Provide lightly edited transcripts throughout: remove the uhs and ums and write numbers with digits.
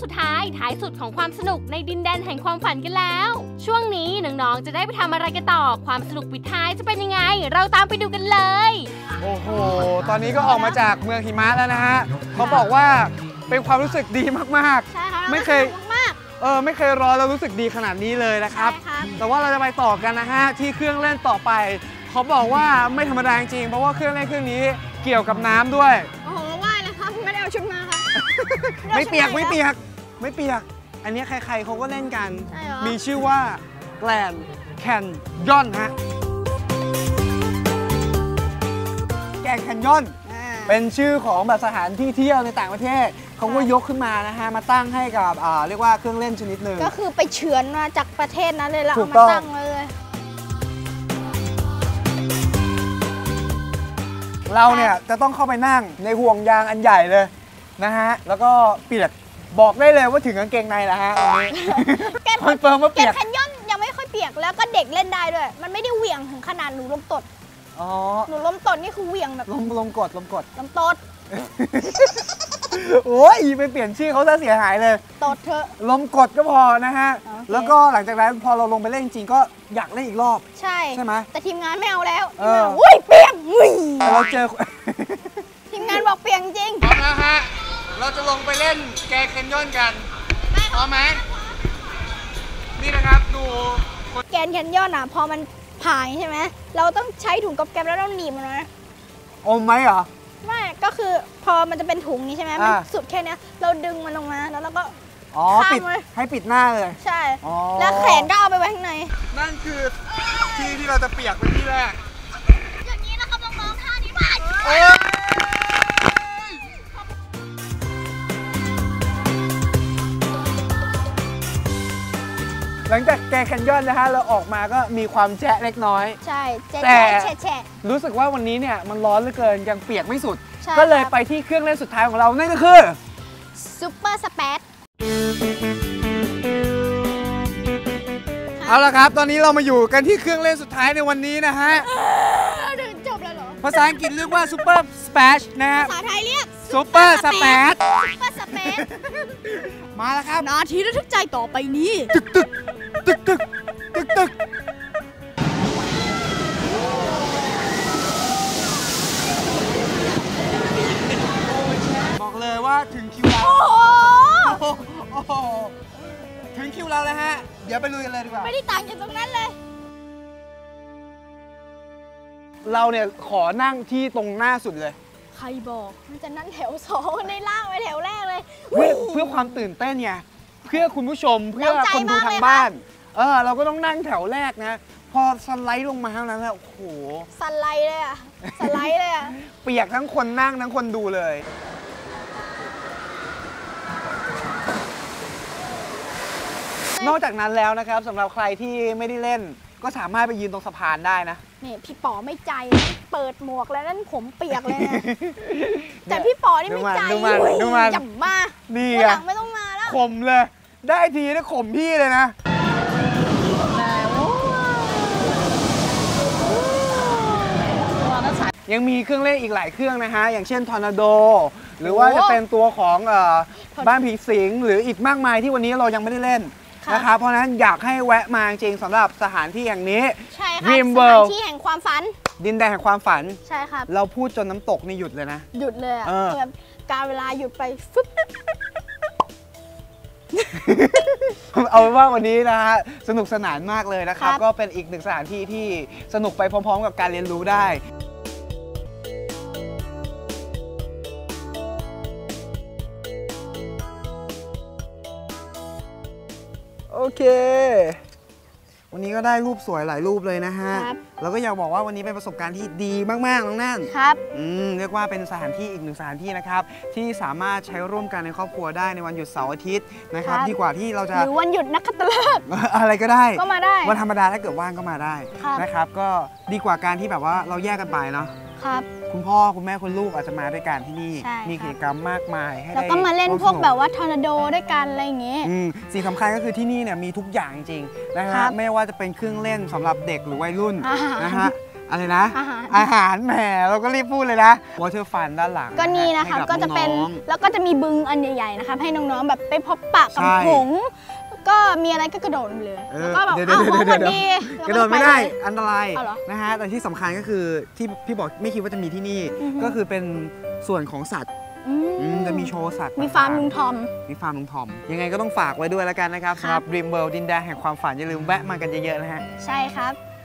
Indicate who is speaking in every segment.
Speaker 1: ท้ายสุดของความสนุกในดินแดนแห่งความฝันกันแล้วช่วงนี้น้องๆจะได้ไปทำอะไรกันต่อความสนุกปิดท้ายจะเป็นยังไงเราตามไปดูกันเลย
Speaker 2: โอ้โหตอนนี้ก็ออกมาจากเมืองหิมะแล้วนะฮะเขาบอกว่าเป็นความรู้สึกดีมากๆ
Speaker 3: ใช่ค่ะ
Speaker 2: ไม่เคยไม่เคยรอแล้วรู้สึกดีขนาดนี้เลยนะครับแต่ว่าเราจะไปต่อกันนะฮะที่เครื่องเล่นต่อไปเขาบอกว่าไม่ธรรมดาจริงเพราะว่าเครื่องเล่นเครื่องนี้เกี่ยวกับน้ำด้วย
Speaker 3: โอ้โหว่ายเลยครับไม่ได้เอาชุดมาครับ
Speaker 2: ไม่เปียกอันนี้ใครๆเขาก็เล่นกันมีชื่อว่าแกลนแคนยอนฮะแกลนแคนยอนเป็นชื่อของแบบสถานที่เที่ยวในต่างประเทศเขาก็ยกขึ้นมานะฮะมาตั้งให้กับเรียกว่าเครื่องเล่นชนิดหนึ่ง
Speaker 3: ก็คือไปเฉือนมาจากประเทศนั้นเลยแล้วเอามาตั้งเลย
Speaker 2: เราเนี่ยจะต้องเข้าไปนั่งในห่วงยางอันใหญ่เลยนะฮะแล้วก็เปียกบอกได้เลยว่าถึงกางเกงในแล้วฮะคอนเฟิร์มว่าเปียก
Speaker 3: แคนยอนยังไม่ค่อยเปียกแล้วก็เด็กเล่นได้ด้วยมันไม่ได้เหวี่ยงถึงขนาดหนูลมตดหนูลมตดนี่คือเหวี่ยงแบบ
Speaker 2: ลมกด
Speaker 3: ลมตด
Speaker 2: โอ้ยไปเปลี่ยนชื่อเขาซะเสียหายเลย
Speaker 3: ตดเถอะ
Speaker 2: ลมกดก็พอนะฮะแล้วก็หลังจากนั้นพอเราลงไปเล่นจริงก็อยากเล่นอีกรอบ
Speaker 3: ใช่
Speaker 2: ไหม
Speaker 3: แต่ทีมงานไม่เอาแล้วอุ้ยเปียก
Speaker 2: เราเจอ
Speaker 3: ทีมงานบอกเปียกจริง
Speaker 2: พร้อมแล้วฮะเราจะลงไปเล่นแกแคนยอนกันพร้อมไหมนี่นะครับดู
Speaker 3: แกนแคนยอนอ่ะพอมันผ่านใช่ไหมเราต้องใช้ถุงก๊อบแก๊บแล้วต้องหนีบมันนะ
Speaker 2: อมไหมเหรอ
Speaker 3: ไม่ก็คือพอมันจะเป็นถุงนี้ใช่ไหมมันสุดแค่นี้เราดึงมันลงมาแล้วเราก็
Speaker 2: ปิดให้ปิดหน้าเลย
Speaker 3: ใช่แล้วแขนก็เอาไปไว้ข้างใน
Speaker 2: นั่นคือที่เราจะเปียกเป็นที่แรก
Speaker 3: อย่างนี้นะครับน้องๆท่านี้ไป
Speaker 2: หลังจากแกแคนยอนนะฮะเราออกมาก็มีความแฉะเล็กน้อย
Speaker 3: ใช่แฉะ
Speaker 2: รู้สึกว่าวันนี้เนี่ยมันร้อนเหลือเกินยังเปียกไม่สุดก็เลยไปที่เครื่องเล่นสุดท้ายของเรานั่นก็คือ
Speaker 3: ซุปเปอร์สเปซ
Speaker 2: เอาละครับตอนนี้เรามาอยู่กันที่เครื่องเล่นสุดท้ายในวันนี้นะฮะ
Speaker 3: จบแล้วเหรอ
Speaker 2: ภาษาอังกฤษเรียกว่าซุปเปอร์สเปซนะฮะ
Speaker 3: ภาษาไทยเรียก
Speaker 2: ซุปเปอร์สเปซมาแล้วครับ
Speaker 3: นาทีระทึกใจต่อไปนี้
Speaker 2: ตึกบอกเลยว่าถึงคิวเราถึงคิวเราแล้วฮะเดี๋ยวไปลุยกันเลยดีกว่า
Speaker 3: ไม่ได้ต่างจากตรงนั้นเลย
Speaker 2: เราเนี่ยขอนั่งที่ตรงหน้าสุดเลย
Speaker 3: ใครบอกมันจะนั่งแถว2ในล่างไปแถวแรกเลย
Speaker 2: เพื่อความตื่นเต้นไงเพื่อคุณผู้ชมเพื่อคนดูทางบ้านเราก็ต้องนั่งแถวแรกนะพอสไลด์ลงมาเท่านั้นแหละโอ้โห
Speaker 3: สไลด์เลยอะสไลด์เลยอะ
Speaker 2: เปียกทั้งคนนั่งทั้งคนดูเลยนอกจากนั้นแล้วนะครับสำหรับใครที่ไม่ได้เล่นก็สามารถไปยืนตรงสะพานได้นะ
Speaker 3: นี่พี่ป๋อไม่ใจเปิดหมวกแล้วนั่นผมเปียกเลยนะแต่พี่ป๋อนี่ไม่ใจจับมา
Speaker 2: นี่
Speaker 3: หลังไม่ต้องมาแล้ว
Speaker 2: ข่มเลยได้ทีนะข่มพี่เลยนะยังมีเครื่องเล่นอีกหลายเครื่องนะฮะอย่างเช่นทอร์นาโดหรือว่าจะเป็นตัวของบ้านผีสิงหรืออีกมากมายที่วันนี้เรายังไม่ได้เล่นนะครับเพราะฉะนั้นอยากให้แวะมาจริงสำหรับสถานที่อย่างนี้
Speaker 3: ใช่ค่ะสถานที่แห่งความฝัน
Speaker 2: ดินแดนแห่งความฝัน
Speaker 3: ใช่ครับ
Speaker 2: เราพูดจนน้ำตกนี่หยุดเลยนะ
Speaker 3: หยุดเลยอ่ะแบบการเวลาหยุดไปฟึ๊บ
Speaker 2: เอาเป็นว่าวันนี้นะฮะสนุกสนานมากเลยนะครับก็เป็นอีกหนึ่งสถานที่ที่สนุกไปพร้อมๆกับการเรียนรู้ได้โอเควันนี้ก็ได้รูปสวยหลายรูปเลยนะฮะแล้วก็อยากบอกว่าวันนี้เป็นประสบการณ์ที่ดีมากๆน้องนั่น
Speaker 3: ครับ
Speaker 2: เรียกว่าเป็นสถานที่อีกหนึ่งสถานที่นะครับที่สามารถใช้ร่วมกันในครอบครัวได้ในวันหยุดเสาร์อาทิตย์นะครับดีกว่าที่เราจะ
Speaker 3: หรือวันหยุดนักขัตฤกษ์
Speaker 2: อะไรก็ได้
Speaker 3: ก็มาได้
Speaker 2: วันธรรมดาถ้าเกิดว่างก็มาได้นะครับก็ดีกว่าการที่แบบว่าเราแยกกันไปเนาะคุณพ่อคุณแม่คุณลูกอาจจะมาด้วยกันที่นี่มีกิจกรรมมากมายให้ได้
Speaker 3: แล้วก็มาเล่นพวกแบบว่าทอร์นาโดด้วยกันอะไรอย่างเงี้ย
Speaker 2: สิ่งสำคัญก็คือที่นี่เนี่ยมีทุกอย่างจริงๆนะฮะไม่ว่าจะเป็นเครื่องเล่นสำหรับเด็กหรือวัยรุ่นนะฮะอะไรนะ
Speaker 3: อาหาร
Speaker 2: แหมเราก็รีบพูดเลยนะ Water Fun ด้านหลัง
Speaker 3: ก็นี่นะครับ
Speaker 2: ให้
Speaker 3: ก็จะเป็น
Speaker 2: อง
Speaker 3: แล้วก็จะมีบึงอันใหญ่ๆนะครับให้น้องๆแบบไปพบปะกับ
Speaker 2: ใช่
Speaker 3: หงส์ก็มีอะไรก็กระโดดเลย
Speaker 2: เออ
Speaker 3: แล้วก็แบบ
Speaker 2: เดี๋ยว
Speaker 3: อ้าว
Speaker 2: เดี๋ยว
Speaker 3: หงส์สวัส
Speaker 2: เดี๋ยว
Speaker 3: ดี
Speaker 2: กระโดดไม่ได้อันตราย
Speaker 3: เอาเหรอ
Speaker 2: นะฮะแต่ที่สำคัญก็คือที่พี่บอกไม่คิดว่าจะมีที่นี่
Speaker 3: อือฮึ
Speaker 2: ก็คือเป็นส่วนของสัตว์
Speaker 3: อืม
Speaker 2: จะมีโชว์สัตว์
Speaker 3: มีฟาร์มลุงทอม
Speaker 2: มีฟาร์มลุงทอม ยังไงก็ต้องฝากไว้ด้วยแล้วกันนะครับ
Speaker 3: ครับ
Speaker 2: สำหรับ Dream World ดินแดนแห่งความฝันอย่าลืมแวะมากันเยอะๆนะฮะ
Speaker 3: ใช่ครับ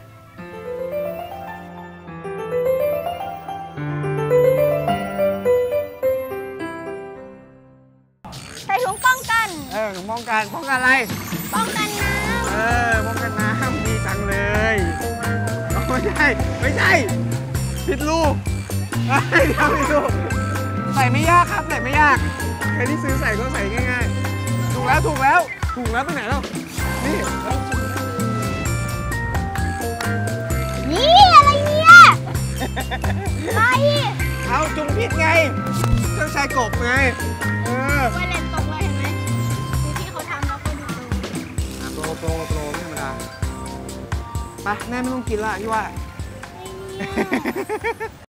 Speaker 3: ใส่ถุงป้องกัน
Speaker 2: ถึงป้องกันอะไร
Speaker 3: ป้องกันน้
Speaker 2: ป้องกันน้ำดีจังเลยไม่ใช่ผิดลูกเดี๋ยวผิดลูกใส่ไม่ยากครับใส่ไม่ยากใครที่ซื้อใส่ก็ใส่ง่ายๆถูกแล้วไปไหนแล้วนี่
Speaker 3: ำยี่อะไรเนี่ยอะไร
Speaker 2: เอาจุ่มพิษไงเจ้าชายกบไง
Speaker 3: ไวเลนตกเลยเห็นไหมดูที่เขาทำแล้วก็ดู
Speaker 2: โปรไม่ธรรมดาไปแม่ไม่ต้องกินละพี่ว่า